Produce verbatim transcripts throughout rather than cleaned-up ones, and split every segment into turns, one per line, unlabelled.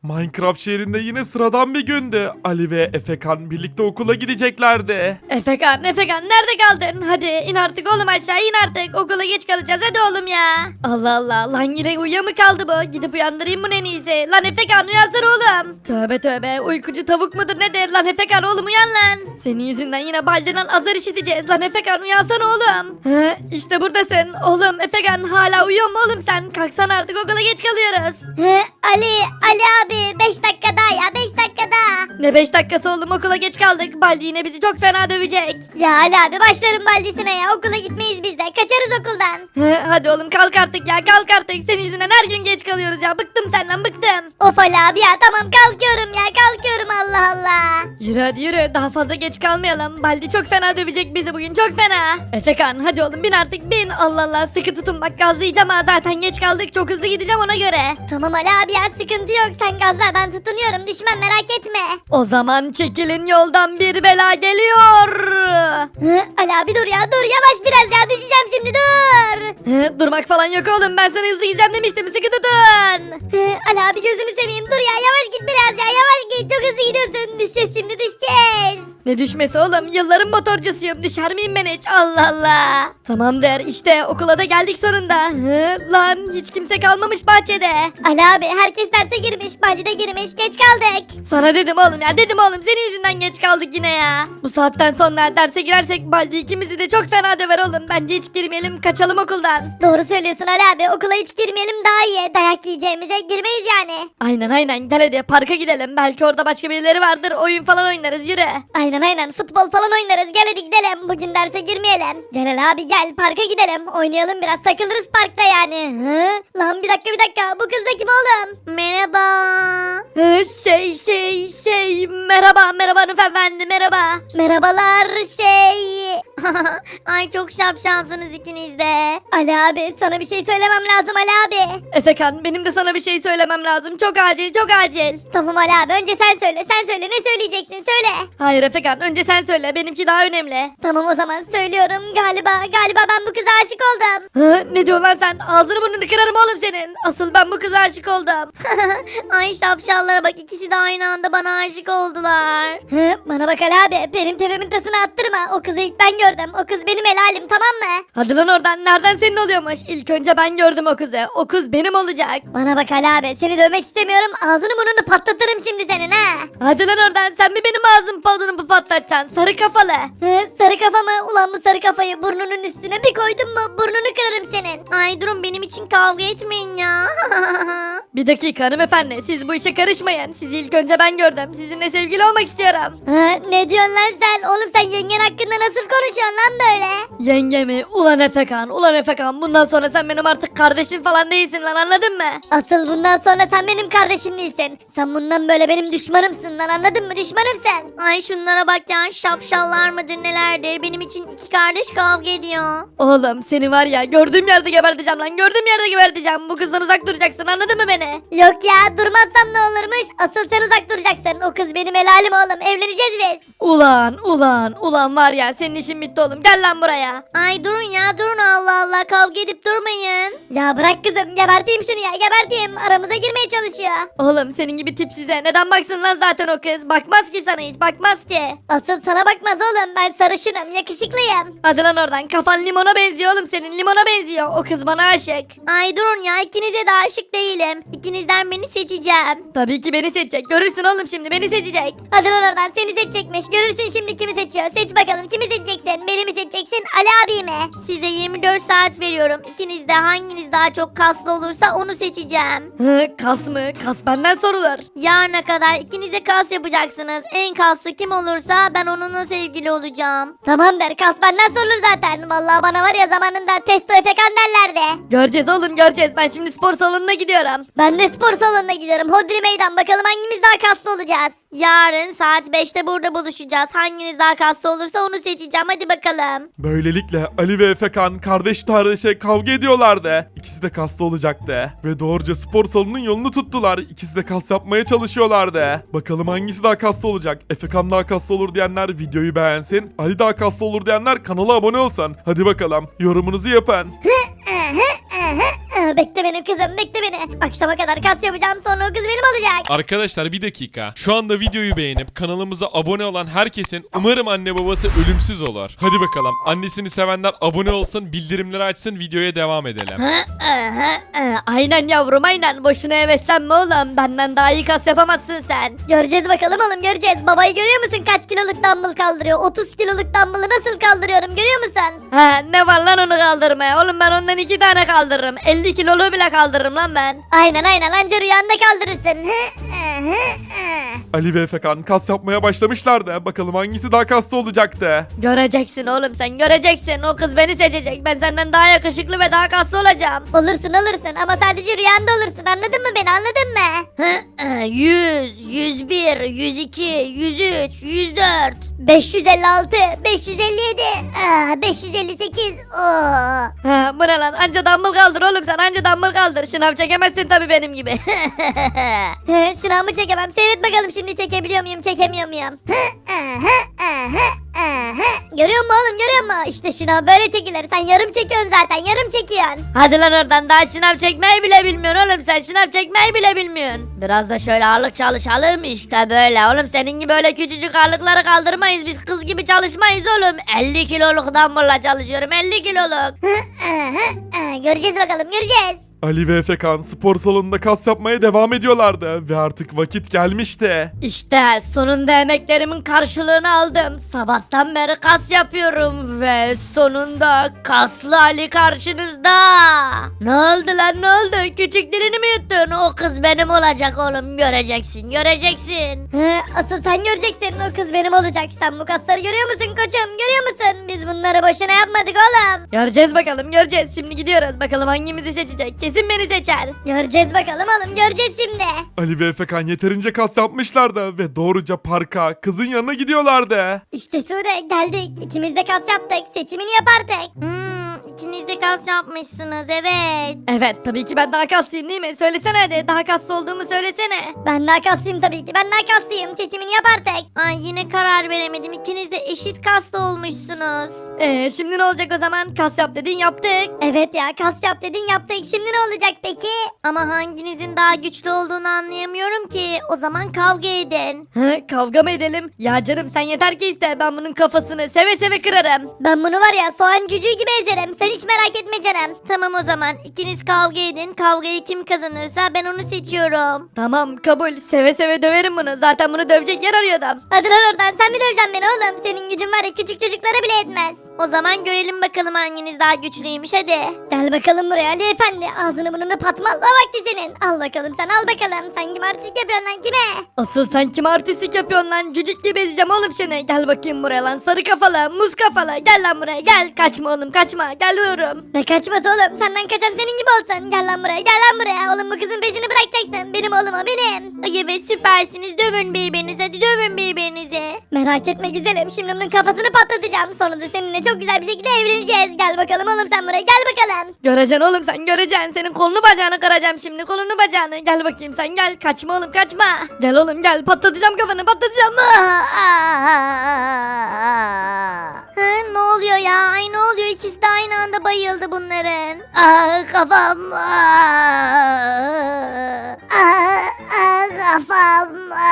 Minecraft şehrinde yine sıradan bir gündü. Ali ve Efekan birlikte okula gideceklerdi.
Efekan, Efekan nerede kaldın? Hadi in artık oğlum aşağı in artık. Okula geç kalacağız hadi oğlum ya. Allah Allah lan yine uyuya mı kaldı bu? Gidip uyandırayım bunu en iyisi. Lan Efekan uyansana oğlum. Tövbe tövbe uykucu tavuk mudur nedir? Lan Efekan oğlum uyan lan. Senin yüzünden yine Baldi'den azar işiteceğiz. Lan Efekan uyansana oğlum. He, işte buradasın. Oğlum Efekan hala uyuyor mu oğlum sen? Kalksana artık okula geç kalıyoruz.
He, Ali, Ali abi beş dakika daha ya beş dakika daha.
Ne beş dakikası oğlum okula geç kaldık. Baldi yine bizi çok fena dövecek.
Ya Ali abi başlarım baldisine ya okula gitmeyiz biz de kaçarız okuldan.
He, hadi oğlum kalk artık ya kalk artık. Senin yüzünden her gün geç kalıyoruz ya. Bıktım senden bıktım.
Of Ali abi ya tamam kalkıyorum ya kalkıyorum Allah Allah.
Yürü hadi yürü daha fazla geç kalmayalım. Baldi çok fena dövecek bizi bugün çok fena. Efekan hadi oğlum bin artık bin. Allah Allah sıkı tutun bak gazlayacağım ha zaten geç kaldık çok hızlı gideceğim ona göre.
Tamam Ali abi ya sıkıntı yok sen gazla ben tutunuyorum düşmem merak etme.
O zaman çekilin yoldan bir bela geliyor.
Hı, Ali abi dur ya dur yavaş biraz ya düşeceğim şimdi dur.
He, durmak falan yok oğlum ben sana hızlı gideceğim demiştim sıkı tutun.
Hı, Ali abi gözünü seveyim dur ya yavaş git biraz ya yavaş git çok hızlı gidiyorsun düşeceğiz şimdi düşeceğiz.
Ne düşmesi oğlum yılların motorcusuyum düşer miyim ben hiç Allah Allah. Tamam der işte okula da geldik sonunda. Hı, lan hiç kimse kalmamış bahçede.
Ali abi herkes derse girmiş Badi de girmiş geç kaldık.
Sana dedim oğlum ya dedim oğlum senin yüzünden geç kaldık yine ya. Bu saatten sonra derse girersek Baldi ikimizi de çok fena döver oğlum. Bence hiç girmeyelim kaçalım okuldan.
Doğru söylüyorsun Ali abi okula hiç girmeyelim daha iyi dayak yiyeceğimize girmeyiz yani.
Aynen aynen gel hadi parka gidelim. Belki orada başka birileri vardır oyun falan oynarız yürü.
Aynen aynen futbol falan oynarız gel hadi gidelim bugün derse girmeyelim. Gel Ali abi gel parka gidelim oynayalım biraz takılırız parkta yani. Hı? Lan bir dakika bir dakika bu kız da kim oğlum? Merhaba.
Hı, şey şey şey merhaba merhaba hanımefendi merhaba.
Merhabalar şey. Ay çok şapşansınız ikiniz de. Ali abi sana bir şey söylemem lazım Ali abi.
Efekan benim de sana bir şey söylemem lazım. Çok acil çok acil.
Tamam Ali abi önce sen söyle sen söyle ne söyleyeceksin söyle.
Hayır Efekan önce sen söyle benimki daha önemli.
Tamam o zaman söylüyorum galiba galiba ben bu kıza aşık oldum.
Hı, ne diyorsun lan sen? Ağzını burnunu kırarım oğlum senin. Asıl ben bu kıza aşık oldum.
Ay şapşallara bak ikisi de aynı anda bana aşık oldular. Hı, bana bak Ali abi benim tepemin tasını attırma o kızı ilk ben gördüm o kız benim helalim tamam mı?
Hadi lan oradan nereden senin oluyormuş? İlk önce ben gördüm o kızı. O kız benim olacak.
Bana bak Ali abi seni dövmek istemiyorum ağzını burnunu patlatırım şimdi senin ha.
Hadi lan oradan sen mi benim ağzım palunumu patlatacaksın sarı kafalı.
Hı, sarı kafa mı? Ulan bu sarı kafayı burnunun üstüne bir koydun mu burnunu kırarım senin. Ay durun benim için kavga etmeyin ya.
Bir dakika hanımefendi siz bu işe karışmayın. Sizi ilk önce ben gördüm. Sizinle sevgili olmak istiyorum.
Hı, ne diyorsun lan sen? Oğlum sen yengen hakkında nasıl konuşuyorsun lan böyle?
Yenge mi? Ulan Efekan, ulan Efekan. Bundan sonra sen benim artık kardeşim falan değilsin lan anladın mı?
Asıl bundan sonra sen benim kardeşim değilsin. Sen bundan böyle benim düşmanımsın lan anladın mı? Düşmanım sen. Ay şunlara bak ya şapşallar mıdır nelerdir. Benim için iki kardeş kavga ediyor.
Oğlum seni var ya gördüğüm yerde geberteceğim lan. Gördüğüm yerde geberteceğim. Bu kızdan uzak duracaksın anladın mı beni?
Yok ya durmazsam ne olurmuş? Asıl sen uzak duracaksın. O kız benim helalim oğlum. Evleneceğiz biz.
Ulan ulan ulan var ya senin işin bitti oğlum. Gel lan buraya.
Ay durun ya durun Allah Allah kavga edip durmayın. Ya bırak kızım geberteyim şunu ya geberteyim. Aramıza girmeye çalışıyor.
Oğlum senin gibi tipsize neden baksın lan zaten o kız? Bakmaz ki sana hiç bakmaz ki.
Asıl sana bakmaz oğlum ben sarışınım yakışıklıyım.
Hadi lan oradan kafan limona benziyor oğlum senin limona benziyor. O kız bana aşık.
Ay durun ya ikinize de aşık değilim. İkinizden birini seçeceğim.
Tabii ki beni seçecek. Görürsün oğlum şimdi beni seçecek.
Hadi lan oradan seni seçecekmiş. Görürsün şimdi kimi seçiyor. Seç bakalım kimi seçeceksin? Beni mi seçeceksin Ali abi mi? Size yirmi dört saat veriyorum. İkiniz de hanginiz daha çok kaslı olursa onu seçeceğim.
Hı, kas mı? Kas benden sorulur.
Yarına kadar ikiniz de kas yapacaksınız. En kaslı kim olursa ben onunla sevgili olacağım. Tamam der kas benden sorulur zaten. Vallahi bana var ya zamanında testo efekan derlerdi.
Göreceğiz oğlum göreceğiz. Ben şimdi spor salonuna gidiyorum.
Ben de spor salonuna gidiyorum. Hodri meydan bakalım hangimiz daha kaslı olacağız. Yarın saat beşte burada buluşacağız. Hanginiz daha kaslı olursa onu seçeceğim. Hadi bakalım.
Böylelikle Ali ve Efekan kardeş kardeşe kavga ediyorlardı. İkisi de kaslı olacaktı. Ve doğruca spor salonunun yolunu tuttular. İkisi de kas yapmaya çalışıyorlardı. Bakalım hangisi daha kaslı olacak? Efekan daha kaslı olur diyenler videoyu beğensin. Ali daha kaslı olur diyenler kanala abone olsun. Hadi bakalım yorumunuzu yapın.
Aa, bekle beni kızım bekle beni. Akşama kadar kas yapacağım sonra o kız benim olacak.
Arkadaşlar bir dakika. Şu anda videoyu beğenip kanalımıza abone olan herkesin umarım anne babası ölümsüz olur. Hadi bakalım. Annesini sevenler abone olsun, bildirimleri açsın, videoya devam edelim.
Ha, aha, aha. Aynen yavrum aynen. Boşuna heveslenme oğlum. Benden daha iyi kas yapamazsın sen.
Göreceğiz bakalım oğlum göreceğiz. Babayı görüyor musun kaç kiloluk dumbbell kaldırıyor? otuz kiloluk dumbbell'ı nasıl kaldırıyorum görüyor musun?
Ha, ne var lan onu kaldırmaya? Oğlum ben ondan iki tane kaldırırım. elli kilolu bile kaldırırım lan ben.
Aynen aynen anca rüyanda kaldırırsın.
Ali ve Efekan kas yapmaya başlamışlardı. Bakalım hangisi daha kaslı olacaktı.
Göreceksin oğlum sen göreceksin. O kız beni seçecek. Ben senden daha yakışıklı ve daha kaslı olacağım.
Olursun olursun ama sadece rüyanda olursun anladın mı beni anladın mı?
yüz, yüz bir, yüz iki, yüz üç, yüz dört.
beş yüz elli altı, beş yüz elli yedi, aa, beş yüz elli sekiz. Oo.
Ha, bu ne lan? Anca dumbbell kaldır oğlum sen. Anca dumbbell kaldır. Şınav çekemezsin tabii benim gibi.
Şınavımı çekemem. Seyret bakalım şimdi çekebiliyor muyum çekemiyor muyum? Görüyor musun oğlum görüyor musun? İşte şınav böyle çekilir. Sen yarım çekiyorsun zaten yarım çekiyorsun.
Hadi lan oradan daha şınav çekmeyi bile bilmiyorsun oğlum sen. Şınav çekmeyi bile bilmiyorsun. Biraz da şöyle ağırlık çalışalım. İşte böyle oğlum. Senin gibi öyle küçücük ağırlıkları kaldırmayız. Biz kız gibi çalışmayız oğlum. elli kiloluk dumbbell'la çalışıyorum. elli kiloluk.
Göreceğiz bakalım göreceğiz.
Ali ve Efekan spor salonunda kas yapmaya devam ediyorlardı ve artık vakit gelmişti.
İşte sonunda emeklerimin karşılığını aldım. Sabahtan beri kas yapıyorum ve sonunda kaslı Ali karşınızda. Ne oldu lan ne oldu? Küçük dilini mi yuttun? O kız benim olacak oğlum. Göreceksin göreceksin.
He, asıl sen göreceksin o kız benim olacak. Sen bu kasları görüyor musun koçum görüyor musun? Biz bunları boşuna yapmadık oğlum.
Göreceğiz bakalım göreceğiz. Şimdi gidiyoruz. Bakalım hangimizi seçecek. Kesin beni seçer.
Göreceğiz bakalım oğlum göreceğiz şimdi.
Ali ve Efekan yeterince kas yapmışlardı ve doğruca parka kızın yanına gidiyorlardı.
İşte Sude geldik. İkimiz de kas yaptık. Seçimini yap artık.
Hmm, ikiniz de kas yapmışsınız evet. Evet tabii ki ben daha kaslıyım değil mi? Söylesene hadi. Daha kaslı olduğumu söylesene.
Ben daha kaslıyım tabii ki. Ben daha kaslıyım. Seçimini yap artık.
Ay yine karar veremedim. İkiniz de eşit kaslı olmuşsunuz. Ee, şimdi ne olacak o zaman? Kas yap dedin yaptık.
Evet ya kas yap dedin yaptık. Şimdi ne olacak peki?
Ama hanginizin daha güçlü olduğunu anlayamıyorum ki. O zaman kavga edin. Hı, kavga mı edelim? Ya canım sen yeter ki iste. Ben bunun kafasını seve seve kırarım.
Ben bunu var ya soğan cücüğü gibi ezerim. Sen hiç merak etme canım.
Tamam o zaman ikiniz kavga edin. Kavgayı kim kazanırsa ben onu seçiyorum. Tamam kabul. Seve seve döverim bunu. Zaten bunu dövecek yer arıyordum.
Hadi lan oradan sen mi döveceksin beni oğlum? Senin gücün var ya küçük çocuklara bile etmez.
O zaman görelim bakalım hanginiz daha güçlüymüş hadi.
Gel bakalım buraya Ali Efendi. Ağzını burnunu patmalla vakti senin. Al bakalım sen al bakalım. Sen kim artistik yapıyorsun lan kime?
Asıl sen kim artistik yapıyorsun lan? Cücük gibi ezeceğim oğlum seni. Gel bakayım buraya lan. Sarı kafalı, muz kafalı. Gel lan buraya gel. Kaçma oğlum kaçma. Geliyorum.
Ne kaçması oğlum? Senden kaçan senin gibi olsun. Gel lan buraya gel lan buraya. Oğlum bu kızın peşini bırakacaksın. Benim oğlum o benim.
Ay evet süpersiniz. Dövün birbirinizi. Hadi dövün birbirinizi.
Merak etme güzelim. Şimdi onun kafasını patlatacağım. Sonra da seninle çok güzel bir şekilde evleneceğiz. Gel bakalım oğlum sen buraya gel bakalım.
Göreceksin oğlum sen göreceksin. Senin kolunu bacağını kıracağım şimdi. Kolunu bacağını. Gel bakayım sen gel. Kaçma oğlum kaçma. Gel oğlum gel. Patlatacağım kafanı patlatacağım. Hı, ne oluyor ya? Ay ne oluyor? İkisi de aynı anda bayıldı bunların.
Ah kafam. Ah, ah, kafam.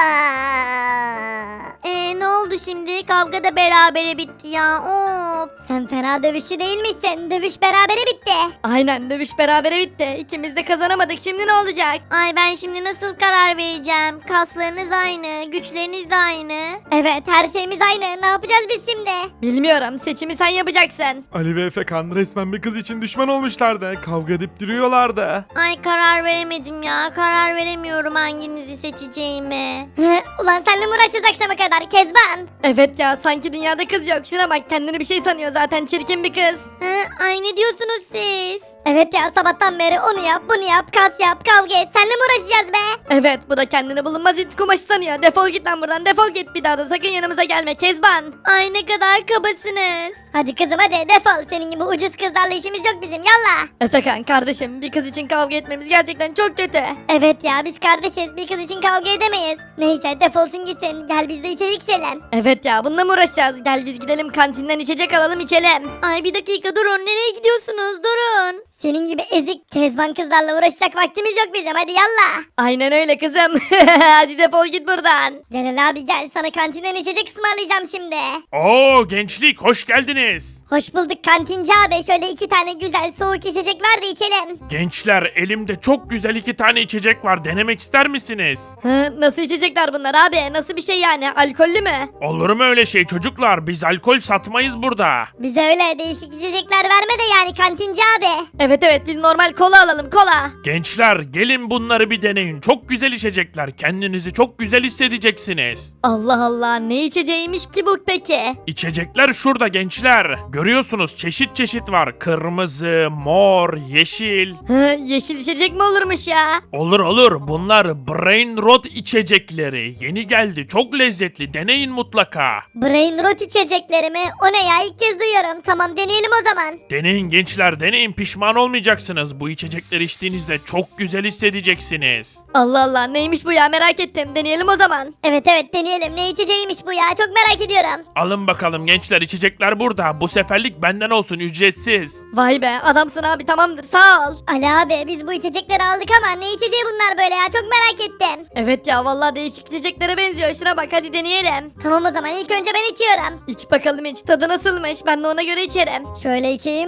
Ee, ne oldu şimdi? Kavga da berabere bitti ya. Of.
Sen fena dövüşçü değil misin? Dövüş berabere bitti.
Aynen dövüş berabere bitti. İkimiz de kazanamadık. Şimdi ne olacak? Ay ben şimdi nasıl karar vereceğim? Kaslarınız aynı, güçleriniz de aynı.
Evet her şeyimiz aynı. Ne yapacağız biz şimdi?
Bilmiyorum. Seçimi sen yapacaksın.
Ali ve Efekan resmen bir kız için düşman olmuşlardı. Kavga edip duruyorlardı.
Ay karar veremedim ya. Karar veremiyorum hanginizi seçeceğimi.
Ulan senle mi uğraşacağız akşama kadar Kezban?
Evet ya sanki dünyada kız yok. Şuna bak kendini bir şey sanıyor zaten çirkin bir kız. Hı, ay ne diyorsunuz siz?
Evet ya sabahtan beri onu yap bunu yap kas yap kavga et. Senle mi uğraşacağız be?
Evet bu da kendini bulunmaz it kumaşı sanıyor. Defol git lan buradan defol git. Bir daha da sakın yanımıza gelme Kezban. Ay ne kadar kabasınız.
Hadi kızım hadi defol. Senin gibi ucuz kızlarla işimiz yok bizim yallah.
Efekan kardeşim bir kız için kavga etmemiz gerçekten çok kötü.
Evet ya biz kardeşiz. Bir kız için kavga edemeyiz. Neyse defolsun gitsin. Gel biz de içecek içelim.
Evet ya bununla mı uğraşacağız? Gel biz gidelim kantinden içecek alalım içelim. Ay bir dakika durun nereye gidiyorsunuz durun.
Senin gibi ezik kezban kızlarla uğraşacak vaktimiz yok bizim, hadi yallah.
Aynen öyle kızım. Hadi defol git buradan.
Celal abi gel, sana kantinden içecek ısmarlayacağım şimdi.
Oo gençlik hoş geldiniz.
Hoş bulduk kantinci abi, şöyle iki tane güzel soğuk içecek ver de içelim.
Gençler elimde çok güzel iki tane içecek var, denemek ister misiniz?
Hı, nasıl içecekler bunlar abi? Nasıl bir şey yani? Alkollü mü?
Olur mu öyle şey çocuklar, biz alkol satmayız burada.
Bize öyle değişik içecekler verme de yani kantinci abi.
Evet evet biz normal kola alalım kola.
Gençler gelin bunları bir deneyin, çok güzel içecekler, kendinizi çok güzel hissedeceksiniz.
Allah Allah ne içeceğiymiş ki bu peki?
İçecekler şurada gençler, görüyorsunuz çeşit çeşit var, kırmızı, mor, yeşil.
Hı, yeşil içecek mi olurmuş ya?
Olur olur, bunlar Brain Rot içecekleri, yeni geldi, çok lezzetli, deneyin mutlaka.
Brain rot içecekleri mi? O ne ya, ilk kez duyuyorum. Tamam deneyelim o zaman.
Deneyin gençler, deneyin, pişman olmayacaksınız. Bu içecekleri içtiğinizde çok güzel hissedeceksiniz.
Allah Allah neymiş bu ya merak ettim. Deneyelim o zaman.
Evet evet deneyelim, ne içeceğiymiş bu ya, çok merak ediyorum.
Alın bakalım gençler, içecekler burada. Bu seferlik benden olsun, ücretsiz.
Vay be adamsın abi tamamdır sağ ol.
Ali abi biz bu içecekleri aldık ama ne içeceği bunlar böyle ya, çok merak ettim.
Evet ya vallahi değişik içeceklere benziyor. Şuna bak hadi deneyelim.
Tamam o zaman ilk önce ben içiyorum.
İç bakalım iç tadı nasılmış ben de ona göre içerim.
Şöyle içeyim.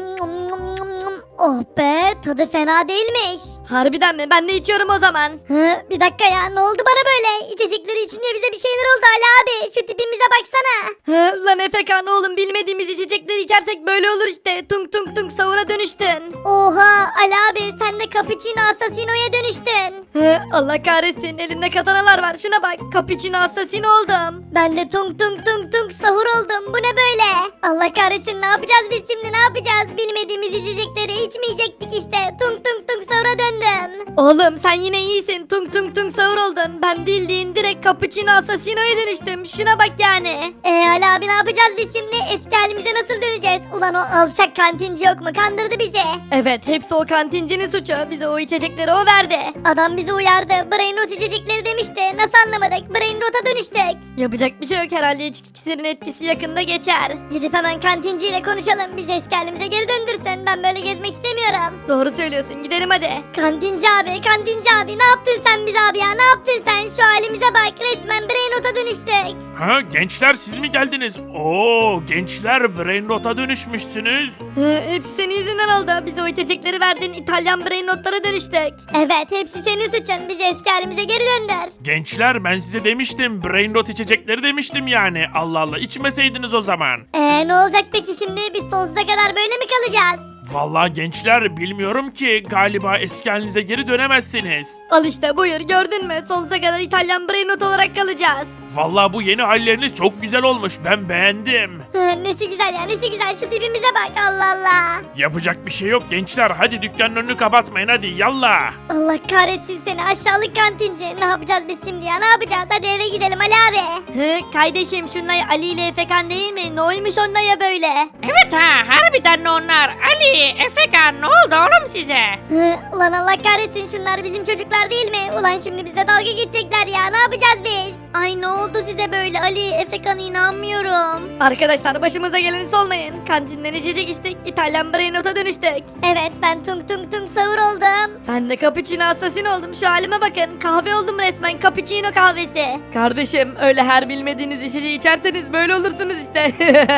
Oh be, tadı fena değilmiş.
Harbiden mi? Ben de içiyorum o zaman.
Hı, bir dakika ya, ne oldu bana böyle? İçecekleri içince bize bir şeyler oldu Ali abi. Şu tipimize baksana.
Hı, lan Efekan oğlum bilmediğimiz içecekleri içersek böyle olur işte. Tung tung tung sahura dönüştün.
Oha Ali abi, sen de cappuccino assassino'ya dönüştün.
Hı, Allah kahretsin elimde katanalar var şuna bak. Cappuccino assassin oldum.
Ben de tung tung tung tung sahur oldum. Bu ne böyle? Allah kahretsin, ne yapacağız biz şimdi, ne yapacağız? Bilmediğimiz içecekleri içmeyecektik işte. Tung tung tung sahura döndüm.
Oğlum sen yine iyisin. Tung tung tung sahur oldun. Ben bildiğin direkt cappuccino assassino'ya dönüştüm. Şuna bak yani.
Eee Ali abi ne yapacağız biz şimdi? Eski halimize nasıl döneceğiz? Ulan o alçak kantinci yok mu? Kandırdı bizi.
Evet hepsi o kantincinin suçu. Bize o içecekleri o verdi.
Adam bizi uyardı. Brain rot içecekleri demişti. Nasıl anlamadık? Brain rota dönüştük.
Yapacak bir şey yok herhalde içki iksirin etkisi yakında geçer.
Gidip hemen kantinciyle konuşalım. Bizi eski halimize geri döndürsün. Ben böyle gezmek istemiyorum.
Doğru söylüyorsun gidelim hadi.
Kantinci abi, kantinci abi, ne yaptın sen bize abi ya? Ne yaptın sen? Şu halimize bak. Resmen brain rota dönüştük.
Ha gençler, siz mi geldiniz? Oo gençler, Brain Rot'a dönüşmüşsünüz.
Hı, hepsi senin yüzünden oldu. Bize o içecekleri verdin İtalyan brain notlara dönüştük.
Evet, hepsi senin suçun. Bizi eski halimize geri döndür.
Gençler, ben size demiştim, Brain Rot içecekleri demiştim yani. Allah Allah, içmeseydiniz o zaman.
Eee ne olacak peki şimdi? Biz sonsuza kadar böyle mi kalacağız?
Vallahi gençler, bilmiyorum ki, galiba eski halinize geri dönemezsiniz.
Al işte buyur gördün mü? Sonsuza kadar İtalyan brain not olarak kalacağız.
Vallahi bu yeni halleriniz çok güzel olmuş, ben beğendim.
Hı, nesi güzel ya, nesi güzel, şu tipimize bak, Allah Allah.
Yapacak bir şey yok gençler, hadi dükkanın önünü kapatmayın, hadi yallah.
Allah kahretsin seni aşağılık kantinci. Ne yapacağız biz şimdi ya, ne yapacağız? Hadi eve gidelim Ali abi.
Hı, kardeşim şunlar Ali ile Efekan değil mi? Ne oymuş onlar ya böyle?
Evet ha harbiden de onlar. Ali, Efekan ne oldu oğlum size?
Hı, ulan Allah kahretsin, şunlar bizim çocuklar değil mi? Ulan şimdi bize dalga geçecekler ya, ne yapacağız biz? Ay ne oldu size böyle Ali, Efekan, inanmıyorum.
Arkadaşlar başımıza geleni solmayın. Kantinden içecek içtik İtalyan brain nota dönüştük.
Evet, ben tung tung tung sahur oldum.
Ben de cappuccino assassin oldum. Şu halime bakın. Kahve oldum resmen. Cappuccino kahvesi. Kardeşim öyle her bilmediğiniz içeceği içerseniz böyle olursunuz işte.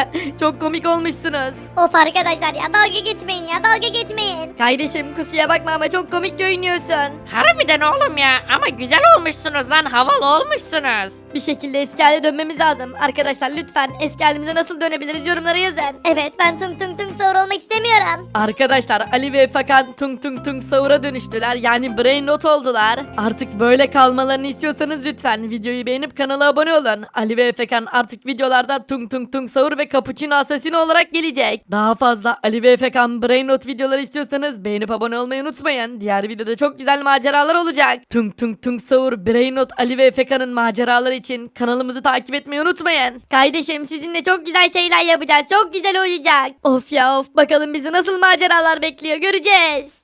Çok komik olmuşsunuz.
Of arkadaşlar ya, dalga geçmeyin ya, dalga geçmeyin.
Kardeşim kusuya bakma ama çok komik görünüyorsun.
Harbiden oğlum ya ama güzel olmuşsunuz lan havalı olmuşsunuz.
Bir şekilde eski hale dönmemiz lazım. Arkadaşlar lütfen eski halimize nasıl dönebiliriz yorumlara yazın.
Evet, ben tung tung tung sahur olmak istemiyorum.
Arkadaşlar Ali ve Efekan tung tung tung sahura dönüştüler. Yani brain not oldular. Artık böyle kalmalarını istiyorsanız lütfen videoyu beğenip kanala abone olun. Ali ve Efekan artık videolarda tung tung tung sahur ve cappuccino assassin olarak gelecek. Daha fazla Ali ve Efekan brain not videoları istiyorsanız beğenip abone olmayı unutmayın. Diğer videoda çok güzel maceralar olacak. Tung tung tung sahur, brain not, Ali ve Efekan'ın maceraları için kanalımızı takip etmeyi unutmayın. Kardeşim sizinle çok güzel şeyler yapacağız. Çok güzel olacak. Of ya of bakalım bizi nasıl maceralar bekliyor göreceğiz.